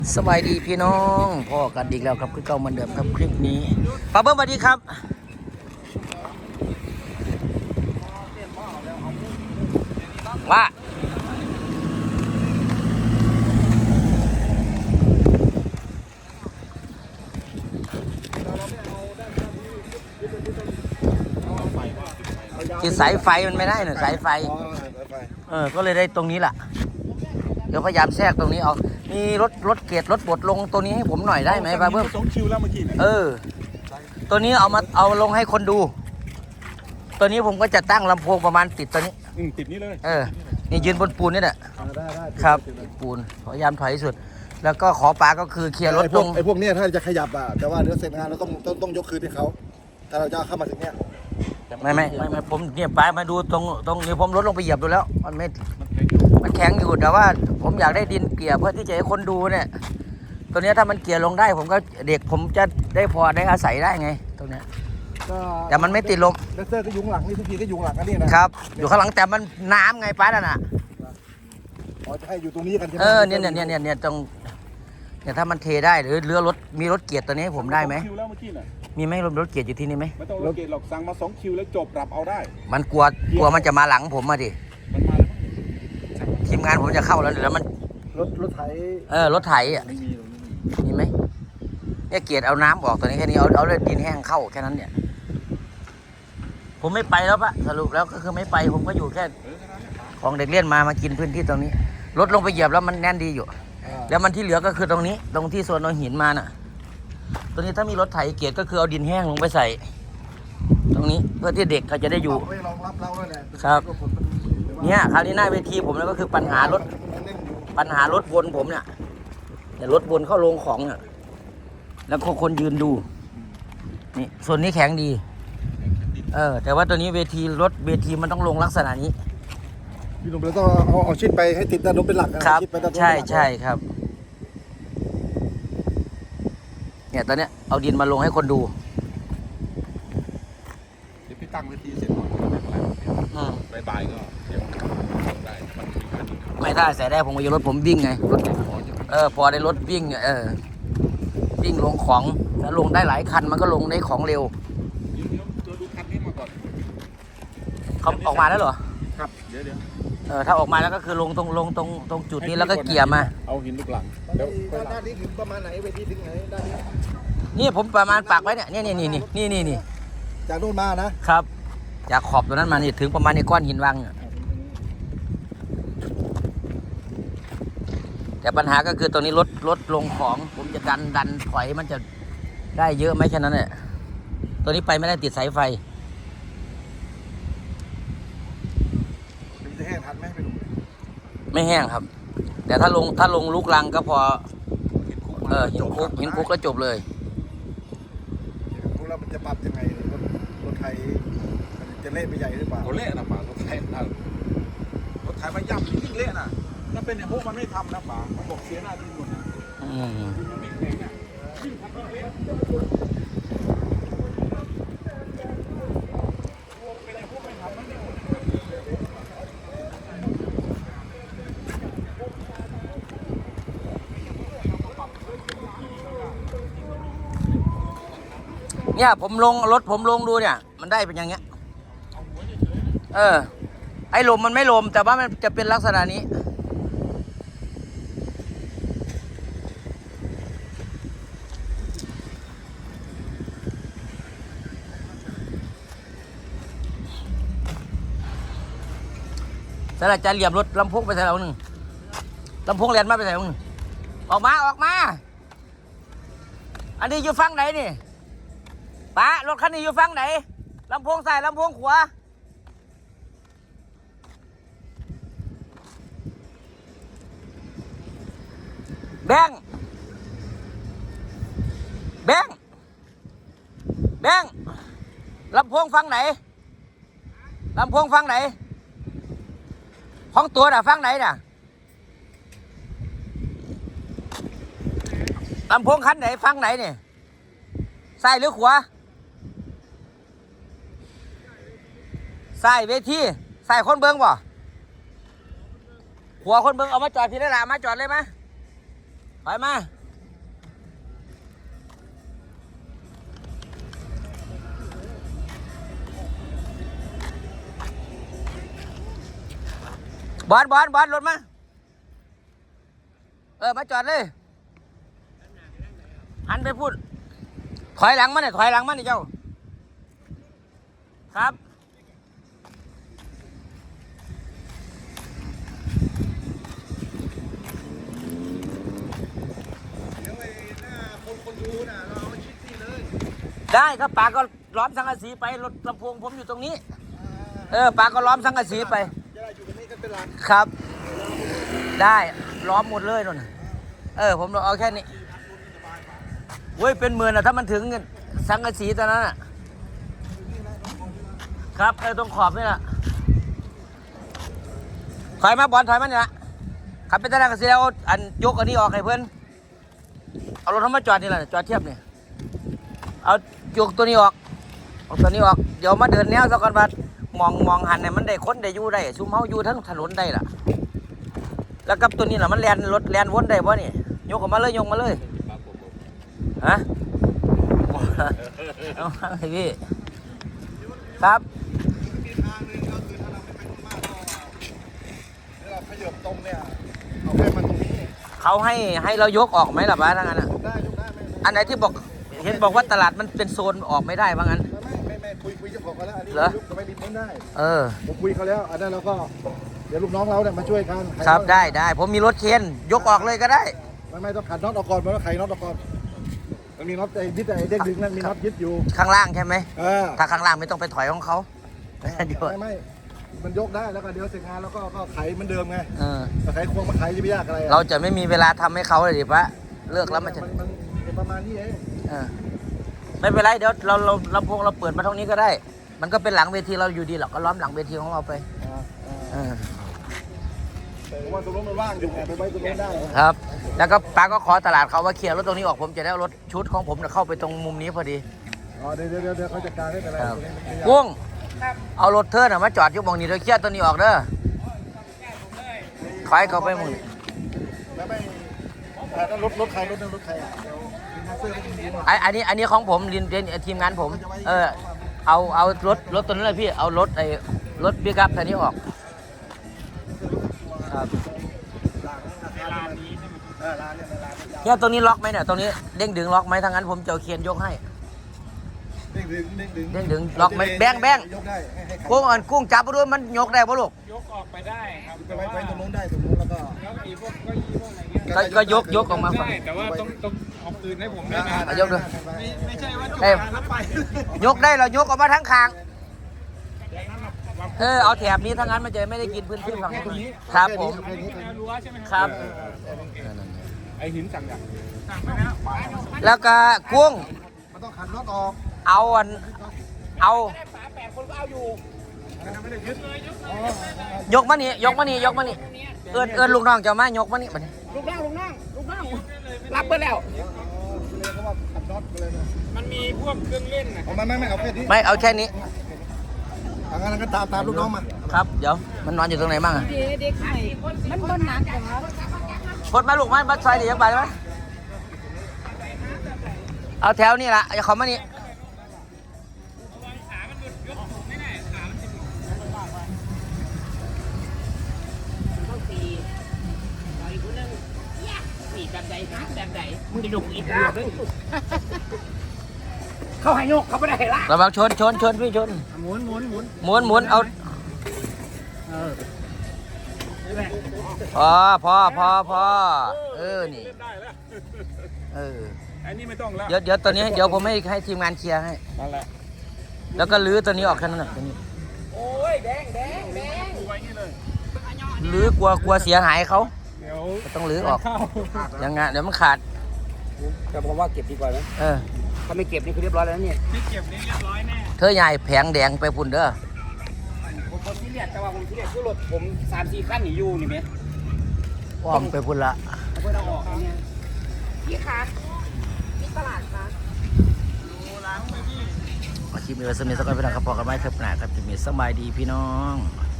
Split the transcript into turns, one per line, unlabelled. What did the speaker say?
สบายดีพี่น้องพ่อกันอีกแล้วครับคือเก่าเหมือนเดิมครับคลิปนี้ป้าเบิ้มสวัสดีครับว่าที่สายไฟมันไม่ได้หน่อยสายไฟก็เลยได้ตรงนี้แหละเดี๋ยวพยายามแทรกตรงนี้เอามีรถเกียร์รถบดลงตัวนี้ให้ผมหน่อยได้ไหมป้าเบิ้ม
2 คิวแล้วเมื่อกี้
ตัวนี้เอาลงให้คนดูตัวนี้ผมก็จะตั้งลำโพงประมาณติดตัวนี้
ติดนี้เลย
นี่ยืนบนปูนนี่แหละ
ได้
ครับปูนพยายามถอยที่สุดแล้วก็ขอปลาก็คือเคลียร์รถตรง
ไอ้พวกนี้ถ้าจะขยับแต่ว่าเดี๋ยวเสร็จงานเราต้องยกคืนให้เขาถ้าเราจะเข้ามาถึงเนี้ย
ไม่ผมเนี่ยปลามาดูตรงนี้ผมรถลงไปเหยียบดูแล้วมันแข็งอยู่แต่ว่าผมอยากได้ดินเกลี่ยเพื่อที่จะให้คนดูเนี่ยตัวนี้ถ้ามันเกลี่ยลงได้ผมก็เด็กผมจะได้พอได้อาศัยได้ไงตรงเนี้ยแต่มันไม่ติดลม
เลเซอร์ก็ยุงหลังนี่ทุกทีก็ยุงหลังกันนี่นะครับ
อยู่ข้างหลังแต่มันน้ำไงป้านั่นน่ะ
จะให้อยู่ตรงนี้กันใช่ไหม
เนี่ยตรงเนี่ยถ้ามันเทได้หรือเรือรถมีรถเกียร์ตัวนี้ให้ผมได้ไหมมีไหมรถเกียร์อยู่ที่นี่ไหม
ไม่ต้องรถเกียร์หรอกสั่งมา2 คิวแล้วจบปรับเอาได้
มันกลัวมันจะมาหลังผมมาดิ
มันมาแล้ว
ทีมงานผมจะเข้าแล้วเดี๋ยวมัน
รถไถ
รถไถอ่ะมีไหมเนี่ยเกียร์เอาน้ำออกตัวนี้แค่นี้เอาเลยดินแห้งเข้าแค่นั้นเนี่ยผมไม่ไปแล้วปะสรุปแล้วก็คือไม่ไปผมก็อยู่แค่ของเด็กเล่นมากินพื้นที่ตรงนี้รถลงไปเหยียบแล้วมันแน่นดีอยู่แล้วมันที่เหลือก็คือตรงนี้ตรงที่โซนเอาหินมาน่ะตรงนี้ถ้ามีรถไถเกียร์ก็คือเอาดินแห้งลงไปใส่ตรงนี้เพื่อที่เด็กเขาจะได้อยู่ครับเนี่ยคราวนี้หน้าเวทีผมแล้วก็คือปัญหารถวนผมเนี่ยแต่รถวนเข้าลงของเนี่ยแล้วก็คนยืนดูนี่ส่วนนี้แข็งดีแต่ว่าตัวนี้เวทีมันต้องลงลักษณะนี้
พี่หนุ่มเราต้องเอาชิดไปให้ติดด้านโน้นเป็นหลัก
ครับใช่ครับเนี่ยตอนเนี้ยเอาดินมาลงให้คนดู
เดี๋ยวพี่ตั้งเวทีเสร็จก่อนบ่ายก็เดี๋ยวได้
ไม่ได้ใส่ได้ผมก็จะรถผมวิ่งไงพอได้รถวิ่งวิ่งลงของแล้วลงได้หลายคันมันก็ลงได้ของเร็ว
ตัวดูคันนี้มาก่อน
เขาออกมาแล้วเหรอ
ครับเดี๋ยว
ถ้าออกมาแล้วก็คือลงตรงจุดนี้แล้วก็เกี่ยมา
เอาหินลูกหลัง
แล้วด้านนี้ถึงประมาณไหนเวทีถึงไหนด้านนี้
นี่ผมประมาณปักไว้เนี่ยนี่
จากโน่นมา
นะครับจากขอบตัวนั้นมานี่ถึงประมาณในก้อนหินวางแต่ปัญหาก็คือตรงนี้รถลงของผมจะดันถอยมันจะได้เยอะไหมแค่นั้นแหละตัวนี้ไปไม่ได้ติดสายไฟ
จะแห้งทันไหม
ไม่แห้งครับแต่ถ้าลงลูกลังก็พอหินคุกก็จบเลย
พวกเรามันจะปรับยังไงรถไทยจะเละไปใหญ่หรือเปล่าเละนะป่ารถไทยมันย่ำยิ่งเละนะถ้าเป็นอย่างพวกมันไม่ทำนะป่ามันบอกเสียหน้าที่หมดนะมันไม่แข็งอ่ะยิ่งทำก็เละ
เนี่ยผมลงดูเนี่ยมันได้เป็นอย่างเงี้ยไอ้ลมมันไม่ลมแต่ว่ามันจะเป็นลักษณะนี้แต่ละจะเหลี่ยมรถลำโพงไปใส่เราหนึ่งลำโพงเรียนมาไปใส่เราหนึ่งออกมาอันนี้อยู่ฝั่งไหนนี่ป้ารถคันนี้อยู่ฝั่งไหนลำโพงซ้ายลำโพงขวาแบงลำโพงฝั่งไหนของตัวน่ะฝั่งไหนน่ะลำโพงคันไหนฝั่งไหนเนี่ยซ้ายหรือขวาซ้ายเวทีซ้ายคนเบิ้งบ่ขวาคนเบิ้งเอามาจอดพี่ได้ละมาจอดเลยไหมถอยมาบอลรถมามาจอดเลยหันไปพูดถอยหลังมาเนี่ยเจ้าครับ
เดี๋ยวไอ้หน้าคนดูน่ะเราเอาชิดนี่เลย
ได้ครับปาก็ล้อมสังกะสีไปรถลำโพงผมอยู่ตรงนี้ปาก็ล้อมสังกะสีไป
จะได้อยู่ตรงนี้กันเป็นหลัก
ครับ ได้ล้อมหมดเลยนู่นผมเอาแค่นี้เว้ยเป็นหมื่นอะถ้ามันถึงสังกะสีตอนนั้นอะครับตรงขอบนี่แหละถอยมาบอลถอยมาเนี่ยขับไปตลาดกสีแล้วอันยกอันนี้ออกให้เพื่อนเอารถเขามาจอดนี่แหละจอดเทียบนี่เอายกตัวนี้ออกตัวนี้ออกเดี๋ยวมาเดินแนวสักก่อนบัดมองหันเนี่ยมันได้คนได้อยู่ได้ซุ่มเฮาอยู่ทั้งถนนได้ล่ะแล้วกับตัวนี้ล่ะมันแลนรถแลนวนได้ป่ะนี่ยกออกมาเลยฮะเอาให้พี่ครับ
มีทางหนึงก็คือถ้าเราไม่ไปตรงมากก็เราขยับตรงเนี่ยเอาแค่มาตรงนี้
เขาให้เรายกออกไหมล่ะบ้าทั้งนั้นอ่ะ
ยกได้ไม่
อันไหนที่บอกเห็นบอกว่าตลาดมันเป็นโซนออกไม่ได้ว่างั้น
ไม่คุยเจ้าของเขาแล้วอันนี้
เหรอ
ยกจะไปริมนู้นได้
ผม
คุยเขาแล้วอันนั้นเราก็เดี๋ยวลูกน้องเราเนี่ยมาช่วยกัน
ครับได้ผมมีรถเคนยกออกเลยก็ได้
ไม่ต้องขัดน็อตออกก่อนมันต้องไขน็อตออกก่อนมันมีน็อตไอ้ยึดไอ้เด้งดึงนั่นมีน็อตยึดอยู่
ข้างล่างใช่ไหม
เออ
ถ้าข้างล่างไม่ต้องไปถอยของเขาเดี๋ยว
ไม่มันยกได้แล้วก็เดี๋ยวเสร็จงานแล้วก็ไขเหมือนเดิมไง
เออ
ไขควงมาไขจะไม่ยากอะไร
เราจะไม่มีเวลาทำให้เขาเลยดิปะเลิกแล้วมันจะ
มันประมาณนี้เอง
ไม่เป็นไรเดี๋ยวเราลำโพงเราเปิดมาตรงนี้ก็ได้ มันก็เป็นหลังเวทีเราอยู่ดีหรอกก็ล้อมหลังเวทีของเราไป
เพราะว่าตรงนู้นมันว่างอยู่ไงไปไว้ตรงนู้นได้
ครับ แล้วก็ป้าก็ขอตลาดเขาว่าเคลียร์รถตรงนี้ออกผมจะได้เอารถชุดของผมเข้าไปตรงมุมนี้พอดี
อ๋อเดี๋ยวเขาจัดการให้เป็นไร
ครับกุ้งเอารถเธอน่ะมาจอดอยู่หมองนี้เดี๋ยวเคลียร์ตัวนี้ออกเด้อถอยเขาไปหมึง
แล้วไม่แต่รถใครรถใครอ่ะเดี๋ยวมีเสื้อไม่ดี
อันนี้ของผมเรียนทีมงานผม เอารถตัวนั้นเลยพี่เอารถรถปิกอัพตัวนี้ออกครับเนี่ยตรงนี้ล็อกไหมเนี่ยตรงนี้เด้งดึงล็อกไหมทางนั้นผมจะเอาเคียนยกให้
เด้งดึง
ล็อกไหมแบง
ยกได้ให้
กุ้งจับไปด้วยมันยกได้ป่ะลูก
ยกออกไปได้ครับ
ไปไว้ตรงนู้นได้ตรงนู้นแล้วก็
แล้วไอ้พวกเก็ยี่พวกอะไรเงี้ย
ก็ยกออกมาฝั่ง
ได้แต่ว่าต้องเอาปืนให้ผมด้วยนะ
ยกด้วย
ไม่ใช่ว่าจบ
เอ้ย
งานแล้วไป
ยกได้เรายกออกมาทั้งคางเอาแถบนี้ทั้งนั้นมันจะไม่ได้กินพื้นที่ฝั่งนี้ครับผม
แนวรั้วใช่ไหม
ครับ
ไอ้หินสั่งอย่างสั่งไปแล้ว
แล้วก็กุ้ง
มันต้องขันน็อตออก
เอายกมานี่เอิ้นลูกน้องเจ้ามายกมานี่บัดนี้
ลูกน้องรับไปแล้ว
เลยเขาว่าขันน็อตไปเลยนะ
มันมีพวกเครื่องเล่นนะ
เอาไม่เอาแค่นี้
ไม่เอาแค่นี้
ทางนั้นก็ตามลูกน้องมา
ครับเดี๋ยวมันนอนอยู่ตรงไหนบ้างอะ
เด็กใหม่มันบนหนักเหรอ
พดมาลูกมาซอยเดี๋ยวไปไหมเอาแถวนี่ละอย่าเขามานี่
เขาให้ยกเขาไม่ได้ให้ละ
ระวังชนพี่ชน
หมุน
หมุนเอาพอนี่
อันนี้ไม่ต้องแล้ว
เดี๋ยวตัวนี้เดี๋ยวผมให้ทีมงานเคลียร์ให้
นั่นแหละ
แล้วก็ลื้อตัวนี้ออกแค่นั้นแหละตัวนี้
โอ้ยแดงดูไว้นี่เลย
ลื้อกลัวเสียหายเขา
เดี๋ยว
ก็ต้องลื้อออก
เข้า
ยังไงเดี๋ยวมันขาด
แต่ผมว่าเก็บดีกว่านะ
เออ
ถ้าไม่เก็บนี่คือเรียบร้อยแล้วเนี่ย
ที่เก็บนี่เรียบร้อยแน่
เธอใหญ่แผงแดงไปพุ่นเด้อ
ผมที่เรียกแต่ว่าผมที่เรียกคือรถผม3-4คันหนีอยู่นี่ไหม
อ้อมไปพุ่นละ
เพื่อเอาออกเนี่ย
พี่คะมีตลาดคะ
คลิปนี้ไว้สมิธสักวันพี่น้องครับพอกันไหมเทปหน้าครับจะมีสบายดีพี่น้อง